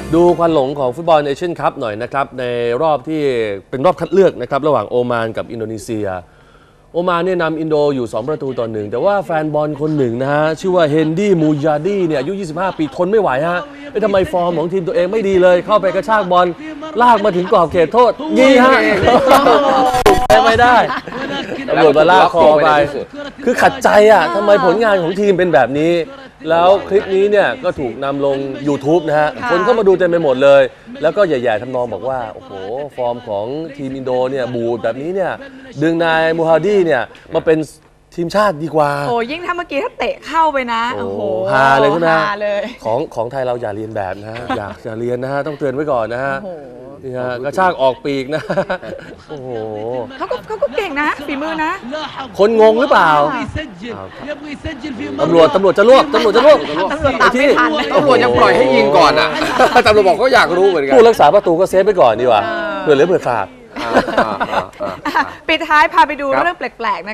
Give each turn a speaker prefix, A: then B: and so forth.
A: ดูควันหลงของฟุตบอลเอเชียนคัพหน่อยนะครับในรอบที่เป็นรอบคัดเลือกนะครับระหว่างโอมานกับอินโดนีเซียโอมานเนี่ยนำอินโดอยู่2-1แต่ว่าแฟนบอลคนหนึ่งนะฮะชื่อว่าเฮนดี้มูยาดีเนี่ยอายุ25 ปีทนไม่ไหวฮะทำไมฟอร์มของทีมตัวเองไม่ดีเลยเข้าไปกระชากบอลลากมาถึงกรอบเขตโทษยิงฮะไม่ได้ตำรวจมาลากคอไปคือขัดใจอ่ะทำไมผลงานของทีมเป็นแบบนี้แล้วคลิปนี้เนี่ยก็ถูกนำลง YouTube นะฮะคนเข้ามาดูเต็มไปหมดเลยแล้วก็แย่ๆทำนองบอกว่าโอ้โหฟอร์มของทีมอินโดเนี่ยบูดแบบนี้เนี่ยดึงนายมูฮัดดีเนี่ยมาเป็นทีมชาติดีกว่า
B: โอ้ยิ่งถ้าเมื่อกี้ถ้าเตะเข้าไปนะโอ้โห
A: ฮาเลยใช่ไหม
B: ของ
A: ไทยเราอย่าเรียนแบบนะฮะอย่าเรียนนะฮะต้องเตือนไว้ก่อนนะฮะนี่ฮะกระชากออกปีกนะโอ้โห
B: เขาก็เก่งนะฝีมือนะ
A: คนงงหรือเปล่าตำรวจจะลวกตำรวจ
B: ตามไม่ทัน
C: ตำรวจยังปล่อยให้ยิงก่อนอ่ะตำรวจบอกก็อยากรู้เหมือนกัน
A: ผู้รักษาประตูก็เซฟไปก่อนดีกว่าเผื่อเหลือเผื่อขาด
B: ปิดท้ายพาไปดูเรื่องแปลกๆนะ